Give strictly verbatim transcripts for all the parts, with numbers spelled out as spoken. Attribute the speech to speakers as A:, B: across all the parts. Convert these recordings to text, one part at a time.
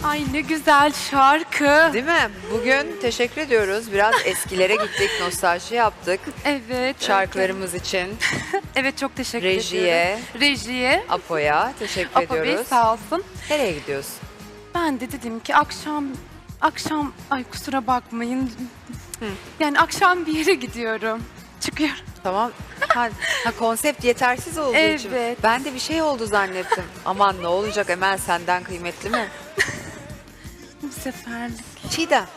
A: Ay ne güzel şarkı.
B: Değil mi? Bugün teşekkür ediyoruz. Biraz eskilere gittik, nostalji yaptık.
A: Evet.
B: Şarkılarımız için.
A: Evet çok teşekkür
B: Rejiye.
A: ediyorum. Rejiye.
B: Apo'ya teşekkür
A: Apo Bey
B: ediyoruz.
A: sağ olsun.
B: Nereye gidiyorsun?
A: Ben de dedim ki akşam, akşam, ay kusura bakmayın. Hı. Yani akşam bir yere gidiyorum. Çıkıyorum.
B: Tamam. Ha, ha konsept yetersiz olduğu için.
A: Evet.
B: Ben de bir şey oldu zannettim. Aman ne olacak Emel senden kıymetli mi?
A: Bu seferlik.
B: Çiğdem.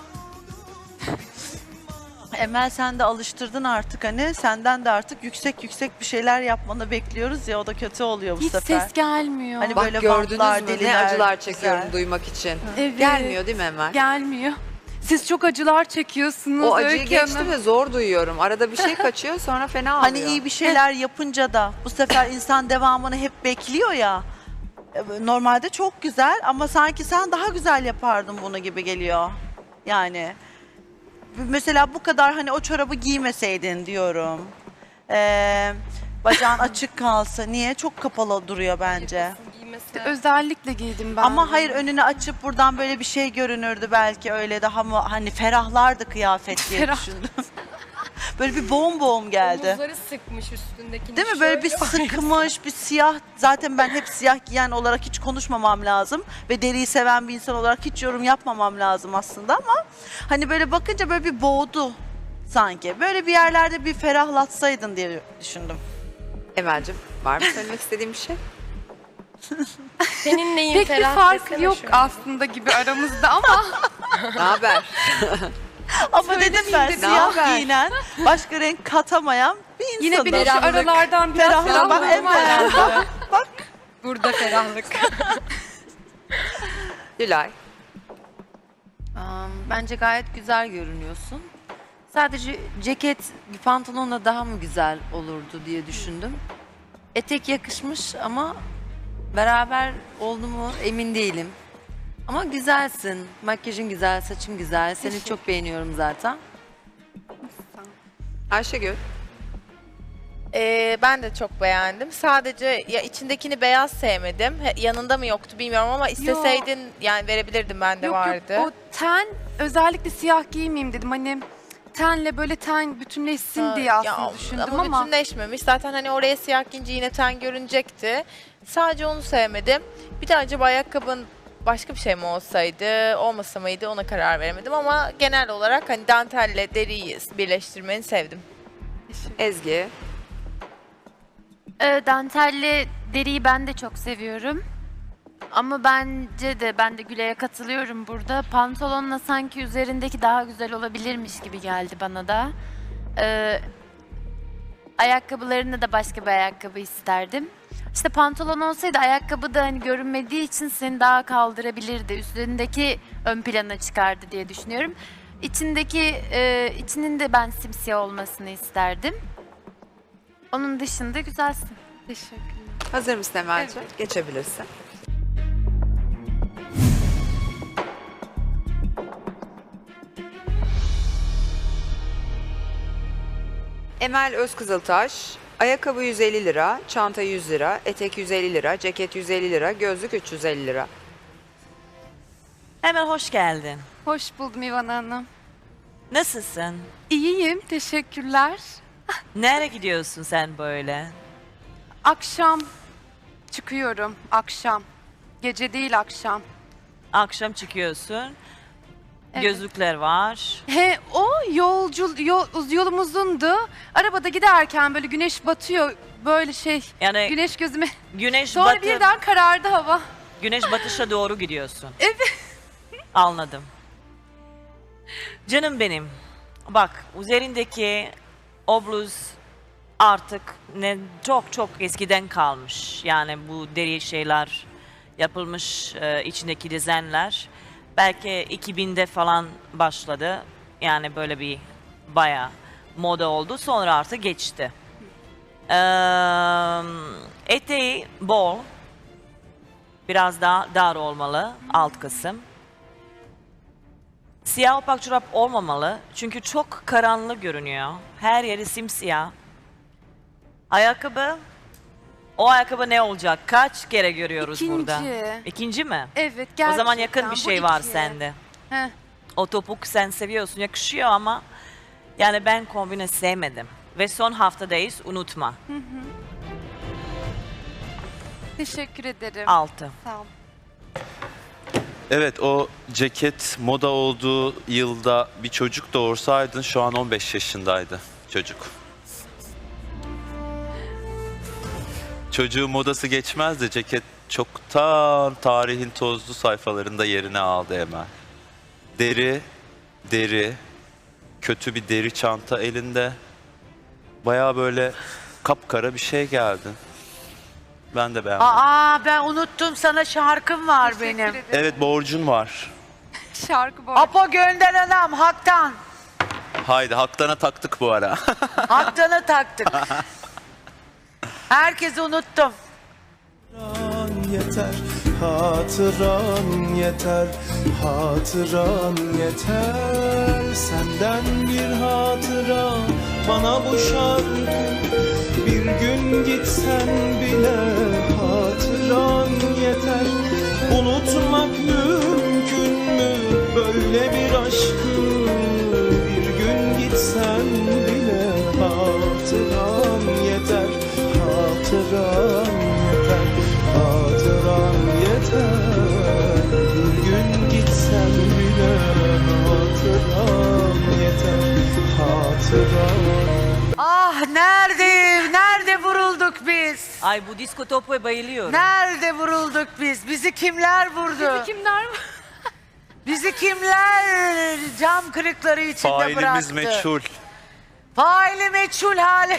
C: Emel sen de alıştırdın artık hani senden de artık yüksek yüksek bir şeyler yapmanı bekliyoruz ya o da kötü oluyor bu
A: Hiç
C: sefer.
A: ses gelmiyor.
C: Hani
B: Bak
C: böyle
B: gördünüz
C: bantlar,
B: mü ne
C: deliler,
B: acılar
C: güzel.
B: çekiyorum duymak için.
A: Evet.
B: Gelmiyor değil mi Emel?
A: Gelmiyor. Siz çok acılar çekiyorsunuz.
B: O acıyı
A: Öykü
B: geçti
A: Hanım.
B: ve zor duyuyorum. Arada bir şey kaçıyor sonra fena oluyor.
C: Hani iyi bir şeyler yapınca da bu sefer insan devamını hep bekliyor ya. Normalde çok güzel ama sanki sen daha güzel yapardın bunu gibi geliyor. Yani mesela bu kadar hani o çorabı giymeseydin diyorum. Ee, bacağın açık kalsa niye? Çok kapalı duruyor bence.
A: Özellikle giydim ben.
C: Ama hayır önünü açıp buradan böyle bir şey görünürdü belki öyle daha mı hani ferahlardı kıyafet diye
A: Ferah.
C: düşündüm. Böyle bir boğum boğum geldi.
D: Omuzları sıkmış üstündekini.
C: Değil mi? Böyle bir sıkmış, bir siyah. Zaten ben hep siyah giyen olarak hiç konuşmamam lazım. Ve deriyi seven bir insan olarak hiç yorum yapmamam lazım aslında ama hani böyle bakınca böyle bir boğdu sanki. Böyle bir yerlerde bir ferahlatsaydın diye düşündüm.
B: Emel'cim var mı söylemek istediğin bir şey?
D: Senin neyin
A: Pek bir
D: ferah
A: fark
D: desene
A: yok
D: şöyle.
A: aslında gibi aramızda ama
B: Ne haber?
C: Ama dedim ben
A: dedim.
B: Ne
C: siyah
B: haber?
C: giyinen, başka renk katamayan bir insanım.
A: yine bir de şu aralardan biraz
C: Ferahlama,
A: ferahladım
C: evet.
A: herhalde.
C: Bak.
D: Burada ferahlık.
B: Gülay.
E: Am, Bence gayet güzel görünüyorsun. Sadece ceket bir pantolonla daha mı güzel olurdu diye düşündüm. Etek yakışmış ama beraber oldu mu emin değilim. Ama güzelsin. Makyajın güzel, saçın güzel. Seni çok beğeniyorum zaten.
B: Ayşegül.
F: Ee, ben de çok beğendim. Sadece ya içindekini beyaz sevmedim. He, yanında mı yoktu bilmiyorum ama isteseydin yani verebilirdim ben de
A: Yok
F: vardı.
A: yok o ten özellikle siyah giymeyeyim dedim. Hani tenle böyle ten bütünleşsin
F: Ha,
A: diye
F: ya
A: aslında düşündüm
F: ama,
A: ama.
F: bütünleşmemiş. Zaten hani oraya siyah giyince yine ten görünecekti. Sadece onu sevmedim. Bir de acaba ayakkabın başka bir şey mi olsaydı, olmasa mıydı ona karar veremedim ama genel olarak hani dantelle deriyi birleştirmeni sevdim.
B: Ezgi.
G: Ee, dantelli deriyi ben de çok seviyorum. Ama bence de ben de Gülay'a katılıyorum burada. Pantolonla sanki üzerindeki daha güzel olabilirmiş gibi geldi bana da. Ee, ayakkabılarında da başka bir ayakkabı isterdim. İşte pantolon olsaydı ayakkabı da hani görünmediği için seni daha kaldırabilirdi. Üstündeki ön plana çıkardı diye düşünüyorum. İçindeki e, içinin de ben simsiyah olmasını isterdim. Onun dışında güzelsin.
A: Teşekkürler.
B: Hazır mısın Emel'ciğim?
A: Evet.
B: Geçebilirsin. Emel Özkızıltaş. Ayakkabı yüz elli lira, çanta yüz lira, etek yüz elli lira, ceket yüz elli lira, gözlük üç yüz elli lira.
H: Hemen hoş geldin.
A: Hoş buldum İvan Hanım.
H: Nasılsın?
A: İyiyim, teşekkürler.
H: Nereye gidiyorsun sen böyle?
A: Akşam çıkıyorum, akşam. Gece değil akşam.
H: Akşam çıkıyorsun.
A: Evet.
H: Gözlükler var.
A: He o yolcu yol, yolum uzundu. Arabada giderken böyle güneş batıyor böyle şey.
H: Yani
A: Güneş gözüme.
H: güneş
A: Sonra
H: batı,
A: birden karardı hava.
H: güneş batışa doğru gidiyorsun.
A: Evet.
H: Anladım. Canım benim. Bak üzerindeki o bluz artık ne çok çok eskiden kalmış. Yani bu deri şeyler yapılmış e, içindeki dizenler. Belki iki binde falan başladı. Yani böyle bir bayağı moda oldu. Sonra artık geçti. Ee, eteği bol. Biraz daha dar olmalı alt kısım. Siyah opak çorap olmamalı. Çünkü çok karanlık görünüyor. Her yeri simsiyah. Ayakkabı O ayakkabı ne olacak? Kaç kere görüyoruz
A: İkinci.
H: burada? İkinci mi?
A: Evet
H: O
A: gerçekten.
H: zaman yakın bir
A: bu
H: şey var
A: iki.
H: sende.
A: Heh.
H: O topuk sen seviyorsun, yakışıyor ama yani ben kombine sevmedim. Ve son haftadayız, unutma.
A: Teşekkür ederim.
H: Altı.
A: Sağ ol.
I: Evet, o ceket moda olduğu yılda bir çocuk doğursaydın şu an on beş yaşındaydı çocuk. Çocuğun modası geçmez de ceket çoktan tarihin tozlu sayfalarında yerini aldı hemen. Deri, deri, kötü bir deri çanta elinde. Bayağı böyle kapkara bir şey geldi. Ben de beğendim.
C: Aa ben unuttum, sana şarkım var
A: Teşekkür
C: benim.
A: ederim.
I: Evet, borcun var.
A: Şarkı bu.
C: Apo gönder anam haktan.
I: Haydi, Haktan'a taktık bu ara.
C: Haktan'a taktık. Herkesi unuttum.
J: Hatıran yeter, hatıran yeter, hatıran yeter. Senden bir hatıra bana bu şarkı. Bir gün gitsen bile hatıran yeter. Unutmak mümkün mü böyle bir aşkı? Bir gün gitsen bile hatıran yeter, hatıran yeter, hatıran yeter. Bir gün gitsen bile hatıran yeter, hatıran.
C: Ah nerede, nerede vurulduk biz?
H: Ay bu disko topuya bayılıyorum.
C: Nerede vurulduk biz? Bizi kimler vurdu?
A: Bizi kimler var?
C: Bizi kimler cam kırıkları içinde
I: Failimiz
C: bıraktı?
I: meçhul.
C: Faili meçhul hale.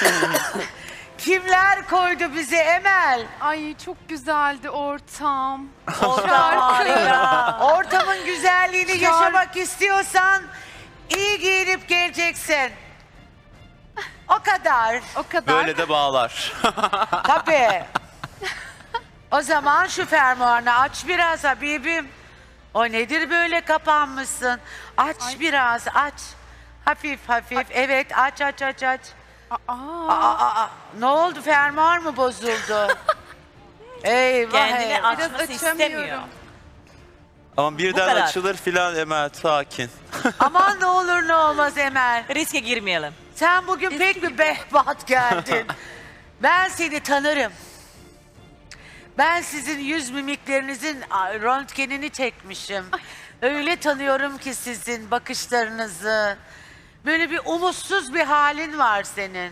C: Kimler koydu bizi Emel?
A: Ay çok güzeldi ortam.
C: Ortam harika. Ortamın güzelliğini
A: Şarkı.
C: yaşamak istiyorsan iyi giyinip geleceksin. O kadar.
A: O kadar.
I: Böyle de bağlar.
C: Tabii. O zaman şu fermuarını aç biraz Habibim. O nedir böyle kapanmışsın? Aç biraz aç. Hafif hafif. Evet aç aç aç aç.
A: Aa,
C: Aa, aa, ne oldu, fermuar mı bozuldu? Eyvah
H: Kendini
C: eyvah.
H: açması
A: açamıyorum.
H: istemiyor.
I: Ama birden
H: kadar.
I: açılır filan Emel, sakin.
C: Aman ne olur ne olmaz Emel.
H: Riske girmeyelim.
C: Sen bugün pek bir behbat geldin. Ben seni tanırım. Ben sizin yüz mimiklerinizin a, röntgenini çekmişim. Öyle tanıyorum ki sizin bakışlarınızı. Böyle bir umutsuz bir halin var senin.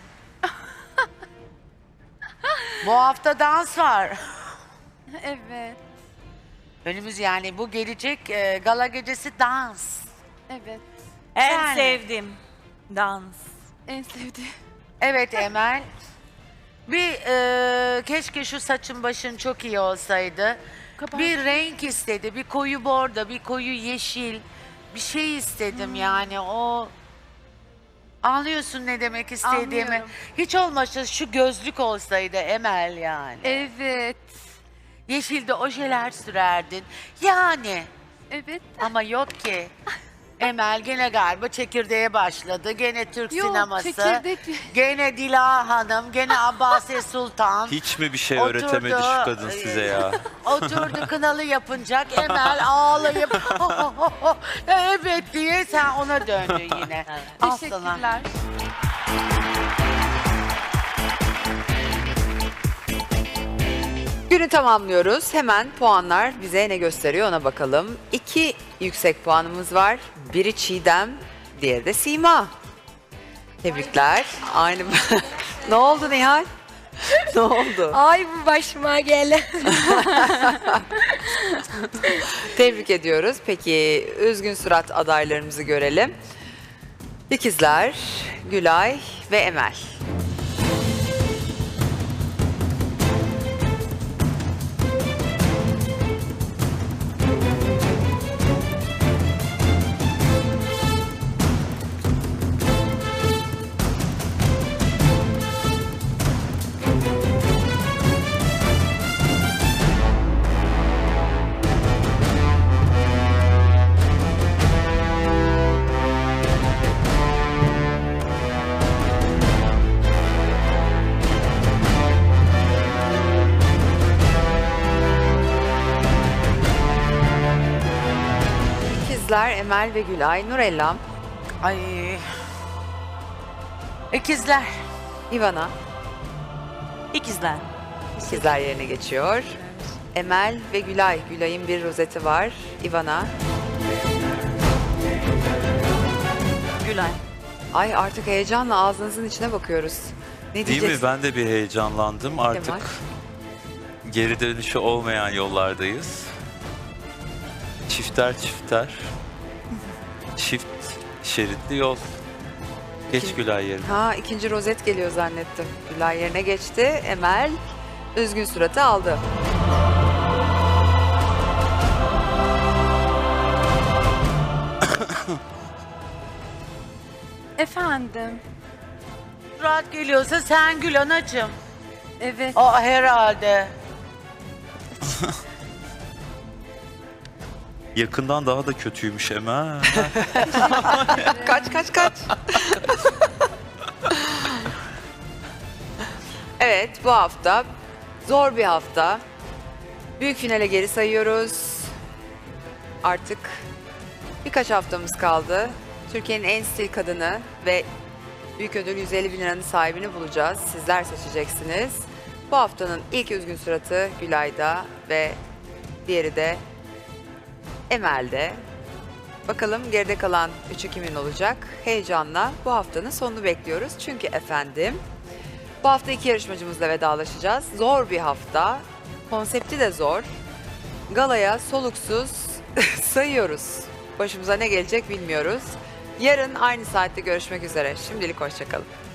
C: Bu hafta dans var.
A: evet.
C: Önümüz yani bu gelecek e, gala gecesi dans.
A: Evet.
H: En
C: Yani.
H: sevdim dans.
A: En sevdiğim.
C: Evet Emel. Bir e, keşke şu saçın başın çok iyi olsaydı.
A: Kapat.
C: Bir renk istedi, bir koyu bordo, bir koyu yeşil. Bir şey istedim
A: Hmm.
C: yani o... Anlıyorsun ne demek istediğimi.
A: Anlıyorum.
C: Hiç olmazsa şu gözlük olsaydı Emel yani.
A: Evet.
C: Yeşilde ojeler sürerdin. Yani
A: Evet.
C: ama yok ki. Emel gene galiba çekirdeğe başladı. Gene Türk
A: Yok,
C: sineması.
A: çekirdek.
C: Gene Dila Hanım, gene Abbase Sultan.
I: Hiç mi bir şey
C: Oturdu,
I: öğretemedi şu kadın size ya?
C: Oturdu kınalı yapınacak. Emel ağlayıp evet diye sen ona döndün yine. Al sana.
A: Teşekkürler.
B: Günü tamamlıyoruz. Hemen puanlar bize ne gösteriyor ona bakalım. İki yüksek puanımız var. Biri Çiğdem, diğeri de Sima. Tebrikler. Aynı. Ne oldu Nihal? Ne oldu?
D: Ay bu başıma gelen.
B: Tebrik ediyoruz. Peki üzgün surat adaylarımızı görelim. İkizler, Gülay ve Emel. İkizler Emel ve Gülay. Nurellam,
C: Ay. İkizler.
B: Ivana.
H: İkizler.
B: İkizler yerine geçiyor. Emel ve Gülay. Gülay'ın bir rozeti var. Ivana.
H: Gülay.
B: Ay artık heyecanla ağzınızın içine bakıyoruz. Ne
I: Değil
B: diyeceksin?
I: mi? Ben de bir heyecanlandım. Artık
B: Kemal?
I: geri dönüşü olmayan yollardayız. Çifter çifter. Çift şeritli yol. Geç
B: İkinci-
I: Gülay yerine.
B: Ha ikinci rozet geliyor zannettim. Gülay yerine geçti. Emel üzgün suratı aldı.
A: Efendim.
C: Rahat geliyorsa sen gül anacığım.
A: Evet.
C: Aa herhalde.
I: Yakından daha da kötüymüş Emel.
B: Kaç kaç kaç. Evet bu hafta zor bir hafta. Büyük finale geri sayıyoruz. Artık birkaç haftamız kaldı. Türkiye'nin en stil kadını ve büyük ödül yüz elli bin liranın sahibini bulacağız. Sizler seçeceksiniz. Bu haftanın ilk üzgün suratı Gülay'da ve diğeri de Emel'de. Bakalım geride kalan üçü kimin olacak? Heyecanla bu haftanın sonunu bekliyoruz. Çünkü efendim bu hafta iki yarışmacımızla vedalaşacağız. Zor bir hafta. Konsepti de zor. Galaya soluksuz sayıyoruz. Başımıza ne gelecek bilmiyoruz. Yarın aynı saatte görüşmek üzere. Şimdilik hoşçakalın.